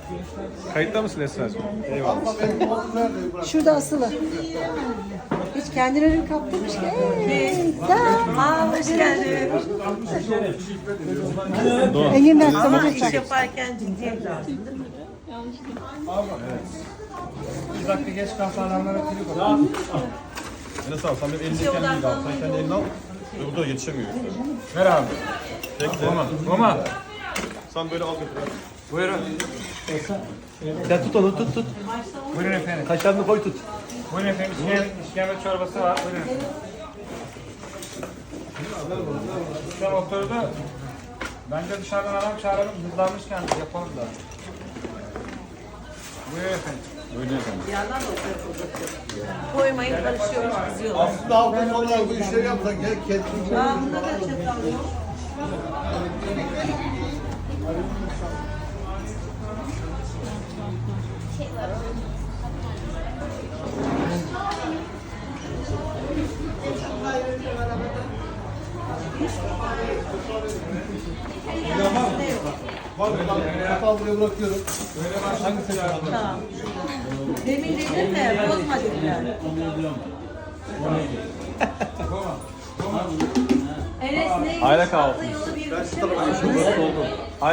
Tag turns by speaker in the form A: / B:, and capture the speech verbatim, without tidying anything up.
A: Kayıtta mısın Esra'cığım? Eyvallah.
B: Şurada asılı. Hiç kendine ürün kaptırmış ki. Hey,
C: Aa, hoş geldin.
B: Engin ben
C: Ama
B: sana
C: iş yaparken ciddiye lazım.
D: Bir dakika geç kafalarına trip at.
A: Enes abi sen benim elimdeyken değil abi. Sen kendi elini al. Öbür tarafa yetişemiyor.
D: Ver abi.
A: Bekle.
D: Roma. Roma.
A: Sen böyle al götür.
D: Buyurun.
A: Sen tut onu tut tut.
D: Buyurun efendim.
A: Kaşarını koy tut.
D: Buyurun efendim. İşkembe, işkembe çorbası var. Buyurun. Şu oturdu. Bence dışarıdan adam çağıralım. Hızlanmış kendisi. Yapalım da. Buyurun efendim.
A: Öyle efendim.
C: Bir yandan da oturup uzatıyor. Koymayın karışıyormuş kızıyorlar.
E: Aslında hafta sonları bu işleri yapsak gel kendin.
C: Aa, bunda da çatal yok.
E: Var mı? Çatal buraya bırakıyorum.
C: Tamam. Demin dedim de bozma dediler. Enes ne?
A: Aile kahvaltı.
C: Tatlı yolu bir şey mi?